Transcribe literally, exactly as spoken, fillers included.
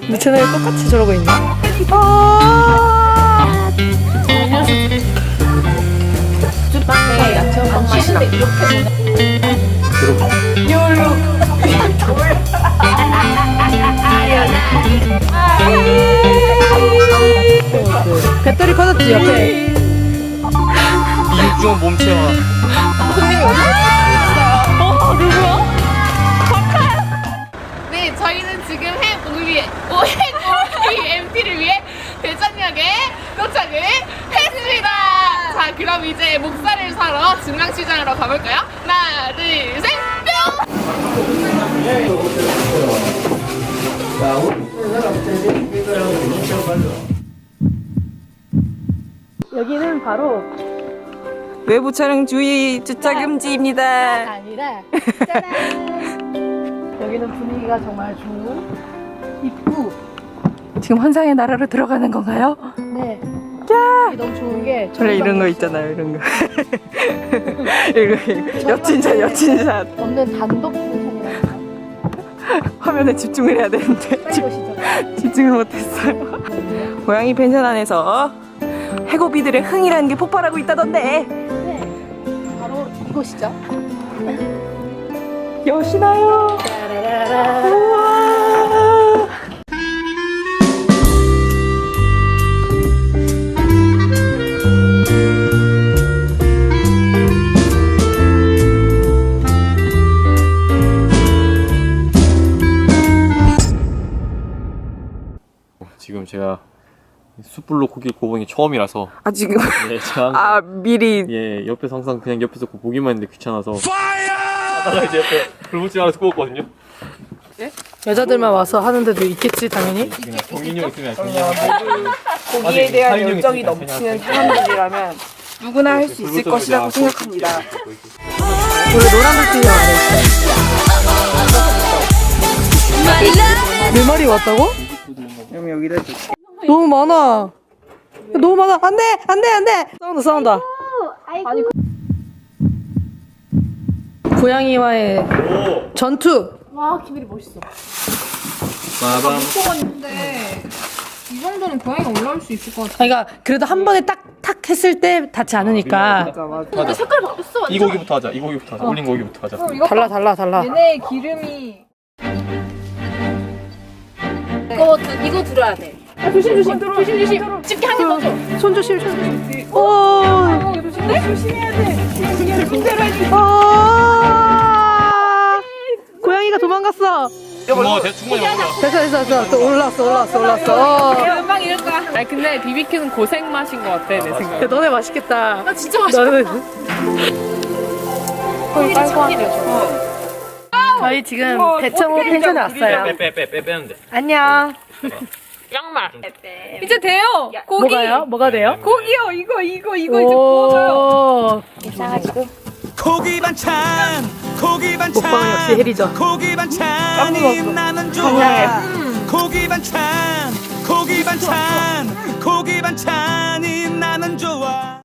근데 쟤네 똑같이 저러고 있네. 아 빵에 야채 빵 맛이 나. 배터리 꺼졌지 옆에. 이육종 몸체와 네, 저희는 지금 해오리 오행오리 엠티를 위해 대전역에 도착을 했습니다. 자, 그럼 이제 목살을 사러 중앙시장으로 가볼까요? 하나, 둘, 셋, 뿅! 여기는 바로 외부 촬영 주의 주차 금지입니다. 아니라 짜란. 여기는 분위기가 정말 좋은 입구. 지금 환상의 나라로 들어가는 건가요? 네. 야! 여기 너무 좋은 게 원래 이런 거 있잖아요, 이런 거. 이거 옆진샷, 옆진샷. 없는 단독 펜션이라서 화면에 집중을 해야 되는데 빨리 집, 오시죠. 집중을 못했어요. 고양이 펜션 안에서 해고비들의 흥이라는 게 폭발하고 있다던데. 네. 바로 이곳이죠. 여시나요? 짜라라라. 우와. 지금 제가 숯불로 고기 구우는 게 처음이라서 아 지금 예, 제가 항상 아 미리 예, 옆에서 항상 그냥 옆에서 보기만 했는데 귀찮아서 하다가 이제 옆에 불붙지 않아서 구웠거든요. 여자들만 와서 하는데도 있겠지 당연히. 그냥 정인이 형 있으면 정인이 형 고기에 대한 사인형 열정이 있으니까 넘치는 그냥 사람들이라면 누구나 할 수 있을 것이라고 생각합니다. 원래 노란불빛이 아래. 내 말이 왔다고? 그럼 여기다 줄게. 너무 많아. 너무 많아. 안 돼! 안 돼! 안 돼! 싸운다, 싸운다. 아니, 고양이와의 오! 전투! 와, 키밀이 멋있어. 빠밤. 무서웠는데 이 정도는 고양이가 올라올 수 있을 것 같아. 그러니까 그래도 한 번에 딱, 탁 했을 때 닿지 않으니까. 맞아 맞아. 하자. 색깔 바뀌었어, 완전. 이 고기부터 하자. 이 고기부터 하자. 올린 고기부터 하자. 이거 달라, 달라, 달라. 얘네 기름이 이거 두- 이거 들어야 돼. 아, 조심 조심 조심 조심. 집게 한 개 더 줘. 손 조심, 손 조심. 오! 어, 조심해. 조심해야 돼. 조심해야 돼. 아! 고양이가 도망갔어. 뭐 대충 충분히 먹어. 됐어, 됐어, 됐어. 또 올랐어, 올랐어, 올랐어. 어. 금방 이럴 거야. 아니 근데 비비큐는 고생 맛인 것 같아 내 생각에. 야, 너네 맛있겠다. 나 진짜 맛있어. 나는 거의 빨고 하네. 저희 지금 대청호 펜션에 왔어요. 빼빼빼빼 빼는데. 안녕. 양말. 이제 돼요. 고기. 뭐가요? 뭐가 돼요? 고기요. 이거 이거 이거 이제 구워줘요. 오. 고기 반찬 고기 반찬 먹방은 역시 혜리죠. 고기 반찬이 나는 좋아 고기 반찬 고기 반찬 고기 반찬이 나는 좋아